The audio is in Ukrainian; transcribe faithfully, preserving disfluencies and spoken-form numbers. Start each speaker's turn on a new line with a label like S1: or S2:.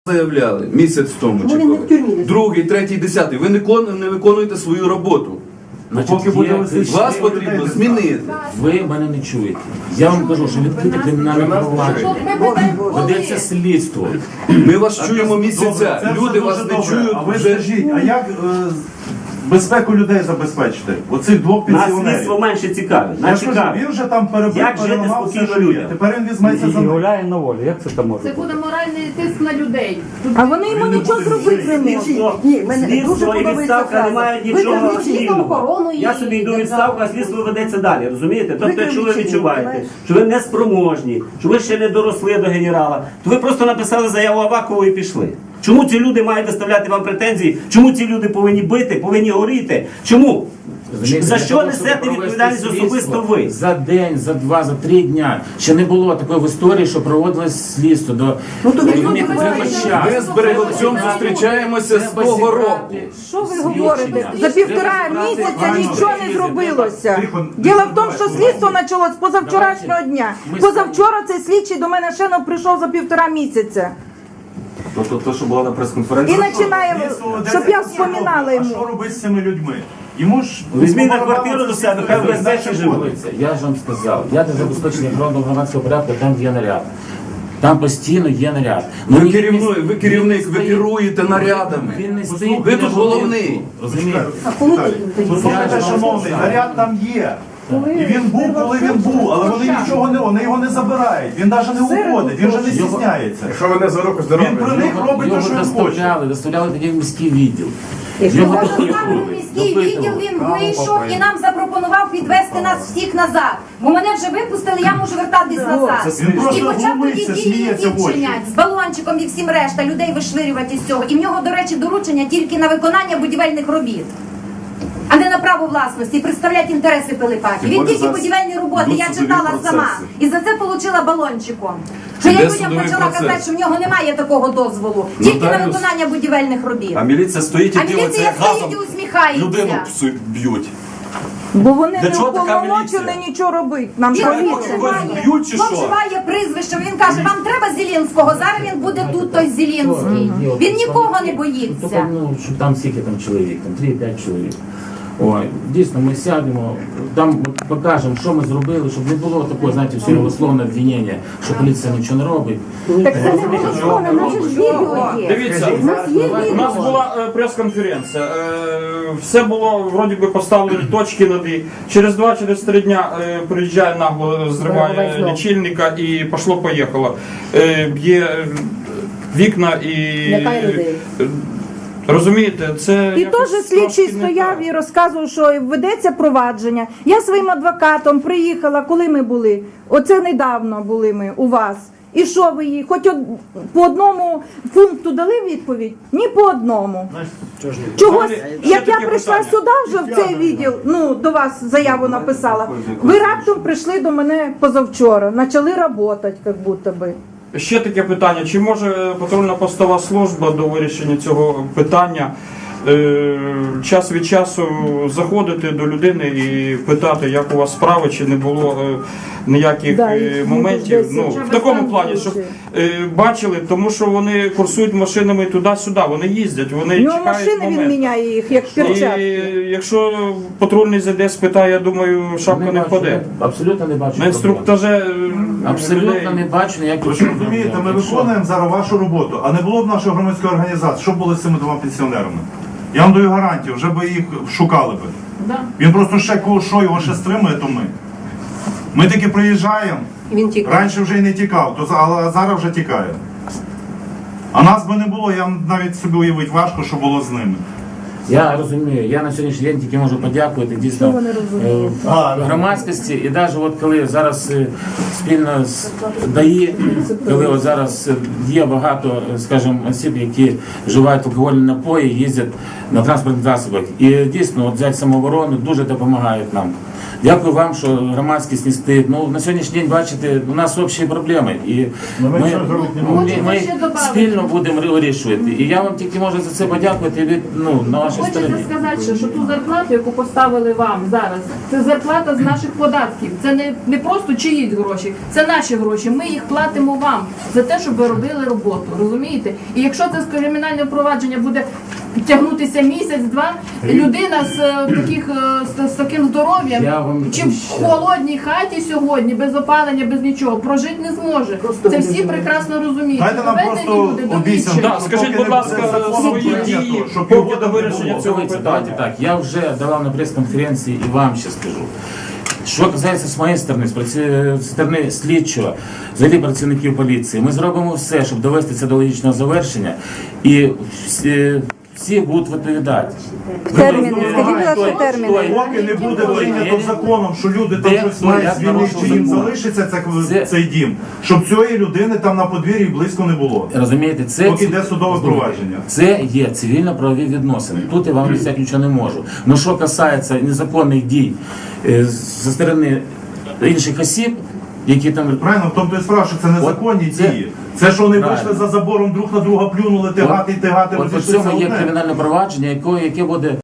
S1: заявляли місяць тому, чи коли. Другий, третій, десятий. Ви не кон- не виконуєте свою роботу.
S2: Значить,
S3: Поки
S2: є
S3: буде
S2: кричі-
S1: Вас потрібно змінити.
S2: Ви мене не чуєте. Я вам кажу, що відкрите кримінальне провадження. Ведеться слідство.
S1: Ми вас чуємо місяця.
S3: Це
S1: Люди
S3: все
S1: вас
S3: дуже
S1: не
S3: добре.
S1: чують.
S3: А ви
S1: вже.
S3: скажіть, а як е, безпеку людей забезпечити? Оцих двох
S4: Нас
S3: пенсіонерів.
S4: слідство менше цікавить.
S3: Я
S4: Нас
S3: ж кажу,
S4: цікавить.
S3: він вже там перебив,
S4: Як жити
S3: переламав все,
S4: спокійно
S3: що є.
S4: людям?
S3: Тепер він візьметься за
S5: І
S3: них.
S5: гуляє на волі. Як це там може
S6: Це
S5: бути?
S6: буде моральний тиск на людей.
S7: А вони йому нічого зробити не можуть.
S4: Слідство,
S7: Ні, мене дуже
S4: слідство і
S7: подобається
S4: відставка не
S7: фраза.
S4: мають
S7: Ви
S4: нічого
S7: кажете,
S4: спільного. Я собі йду у відставку, а слідство ведеться далі, розумієте? Тобто, якщо ви відчуваєте, що ви неспроможні, що ви ще не доросли до генерала, то ви просто написали заяву Авакову і пішли. Чому ці люди мають доставляти вам претензії? Чому ці люди повинні бити, повинні горіти? Чому?
S2: Розумієте,
S4: За
S2: для
S4: що
S2: того,
S4: несете
S2: щоб провести
S4: відповідальність
S2: слідство
S4: особисто ви?
S2: За день, за два, за три дня. Ще не було такої в історії, що проводилось слідство. До...
S7: Ну, то ви
S2: Розумієте, треба час.
S1: Ми з Береговцем зустрічаємося з
S2: Треба
S1: того року.
S2: зібрати
S7: Що ви
S2: свідчення.
S7: говорите? За півтора
S2: Треба зібрати
S7: місяця
S2: гарно
S7: нічого не
S2: досліди.
S7: зробилося.
S3: Тихо,
S7: Діло в тому,
S3: не
S7: що
S3: забувайте.
S7: слідство почалось позавчорашнього
S2: Давайте.
S7: дня.
S2: Ми
S7: Позавчора цей слідчий до мене ще не прийшов за півтора місяця.
S8: Тобто те, що було на
S7: І
S8: прес-конференції?
S7: починає,
S3: Слідство ведеться
S7: щоб я
S3: всі
S7: вспоминала
S3: добре. А що
S7: йому.
S3: робити з цими людьми? Йому ж
S4: Візьміть на
S3: попробували
S4: квартиру до
S3: це
S4: себе, хай в
S3: всі
S4: безпеці
S3: знають,
S4: живуть.
S3: що
S2: Дивіться, я ж вам сказав, я для забезпечення охоронного громадського порядку, там є наряд. Там постійно є наряд. Ну,
S1: Ви
S2: він
S1: керівник,
S2: не-
S1: ви
S2: він
S1: керівник,
S2: не
S1: ви
S2: стоїть-
S1: керуєте нарядами.
S2: Він не стоїть.
S1: Ви
S2: біля
S1: тут головний.
S2: будинку, Розумієте?
S3: Послухайте, шановний, наряд там є. І він був, коли він був, але вони нічого не, вони його не забирають. Він навіть не уходить, він вже не стісняється.
S8: Якщо ви не за руку
S3: Він
S8: здорові,
S3: про них робить те,
S2: Його
S3: що він хоче.
S2: доставляли, доставляли тоді в міський відділ. Його допитували,
S6: Міський відділ він вийшов і нам запропонував підвести нас всіх назад. Бо мене вже випустили, я можу вертатись назад.
S3: Він просто
S6: І почав тоді
S3: глумиться,
S6: вільні
S3: сміється в очі.
S6: відчинять з балончиком і всім решта людей вишвирювати із цього. І в нього, до речі, доручення тільки на виконання будівельних робіт, а не на право власності, і представляти інтереси Пилипаки. Він тільки будівельні роботи, я читала сама. І за це отримала балончиком. Що я
S1: Іде
S6: людям
S1: судовий
S6: почала
S1: процес.
S6: казати, що в нього немає такого дозволу, тільки на
S1: Нотаріус.
S6: виконання будівельних робіт.
S8: а міліція стоїть і
S6: А
S8: дивиться,
S6: міліція
S8: як
S6: стоїть і
S8: газом людину
S6: усміхається.
S8: псу- б'ють.
S7: Бо вони
S8: Для
S7: не
S8: чого така
S7: уповномочені
S8: міліція?
S7: нічого робити. Нам
S6: Він
S7: поліція.
S6: вживає,
S8: б'ють чи що?
S6: вживає прізвище. Він каже, вам треба Зелінського, зараз він буде тут той Зелінський. Він нікого не боїться.
S2: Тільки, ну, що там скільки там чоловік, там три-п'ять чоловік. Ой, дійсно, ми сядемо, там покажемо, що ми зробили, щоб не було такого, знаєте, всього голословного обвинення, що поліція нічого не робить.
S7: Так це не голословно, у нас же ж відео є.
S9: Дивіться,
S7: У нас є
S9: у
S7: відео.
S9: нас була е, прес-конференція. Е, все було вроді би поставлені точки над «і». Через два, через три дня е, приїжджає нагло, зриває лічильника і пошло-поїхало. Е, б'є е, вікна і е, розумієте, це
S7: І
S9: якось
S7: теж слідчий
S9: трошки не
S7: стояв
S9: так.
S7: і розказував, що ведеться провадження. Я своїм адвокатом приїхала, коли ми були. Оце недавно були ми у вас. І що ви їй? Хоч од... по одному пункту дали відповідь? Ні по одному. Чогось,
S9: Далі, ще
S7: як я
S9: таке
S7: прийшла
S9: питання.
S7: сюди вже в цей відділ, ну до вас заяву написала. Ви раптом прийшли до мене позавчора, почали працювати, як будто би.
S9: Ще таке питання. Чи може патрульна постова служба до вирішення цього питання е, час від часу заходити до людини і питати, як у вас справи, чи не було е, ніяких
S7: Да,
S9: е,
S7: їх
S9: моментів?
S7: десь
S9: Ну,
S7: вже
S9: в такому
S7: там
S9: плані, щоб
S7: случаї.
S9: е, бачили, тому що вони курсують машинами туди-сюди, вони їздять, вони
S7: У нього
S9: чекають
S7: машини він
S9: моменту.
S7: міняє їх, як
S9: І
S7: перчатки.
S9: якщо патрульний зайде, спитає, я думаю, шапка не
S2: бачу,
S9: впаде.
S2: Абсолютно не бачу.
S9: На
S2: проблем.
S9: інструктаже е,
S2: Абсолютно
S9: людей-
S2: не бачу ніяких
S3: Ви ж розумієте, ми
S2: Якщо-
S3: виконуємо зараз вашу роботу, а не було б нашої громадської організації, що було з цими двома пенсіонерами? Я вам даю гарантію, вже би їх шукали би. Він просто ще кого що його ще стримує, то ми. Ми таки приїжджаємо, раніше вже й не тікав, то, за- але зараз вже тікає. А нас би не було, я навіть собі уявити важко, що було з ними.
S2: Я розумію, я на сьогоднішній день тільки можу подякувати дійсно
S7: Що вони розуміють?
S2: е, громадськості. І навіть от коли зараз е, спільно з ДАІ, коли от зараз е, є багато, е, скажімо, осіб, які вживають алкогольні напої, їздять на транспортних засобах. І дійсно, от взяти самооборону дуже допомагають нам. Дякую вам, що громадськість не стоїть. Ну, на сьогоднішній день, бачите, у нас общі проблеми. І
S3: Ну, ми
S2: ми,
S3: нічого зробити не
S2: ми,
S3: можемо.
S2: ми
S7: ще добавити.
S2: спільно будемо вирішувати. І я вам тільки можу за це подякувати від, ну, на вашій
S5: Хочете
S2: стороні.
S5: сказати, що, що ту зарплату, яку поставили вам зараз, це зарплата з наших податків. Це не, не просто чиїсь гроші, це наші гроші. Ми їх платимо вам за те, щоб ви робили роботу. Розумієте? І якщо це з кримінальне впровадження буде тягнутися місяць-два, людина з е, таких е, з, з таким здоров'ям
S2: Я вам
S5: чи в
S2: ще-
S5: холодній хаті сьогодні, без опалення, без нічого, прожити не зможе. Це всі прекрасно розуміють.
S3: Дайте нам
S5: Доведені
S3: просто
S5: люди до
S3: обіцянку.
S5: відчаю.
S9: Да, скажіть, будь ласка, свої дії
S3: щоб
S9: по
S3: його
S9: ходу
S3: там не
S9: вирішення
S3: було.
S9: цього
S2: Давайте,
S9: питання.
S2: давайте так. Я вже давав на прес-конференції і вам ще скажу. Що касається з моєї сторони, з праці- з сторони слідчого, взагалі працівників поліції, ми зробимо все, щоб довести це до логічного завершення, і всі, всі будуть відповідати.
S7: Терміни,
S2: Ви-
S7: скажіть, будь ласка,
S2: Стой,
S7: терміни.
S2: стой.
S3: Поки не буде прийнято
S2: Я-
S3: законом, що люди там
S2: Де
S3: щось мають
S2: я
S3: звільнити,
S2: нарушу
S3: чи їм
S2: закон?
S3: залишиться це,
S2: Це-
S3: цей дім, щоб цієї людини там на подвір'ї близько не було.
S2: Розумієте, це
S3: Поки йде судове
S2: Слухайте,
S3: провадження.
S2: Це є цивільно-правові відносини. Тут я вам обіцяти нічого не можу. Ну що касається незаконних дій е, зі сторони інших осіб, які там
S3: Правильно, в тому то і справа, що це незаконні
S2: Це-
S3: дії. Це що вони
S2: Правильно.
S3: вийшли за забором, друг на друга плюнули, тигати, тигати,
S2: От по
S3: розійшлися
S2: цьому є
S3: одне.
S2: кримінальне провадження, яке, яке буде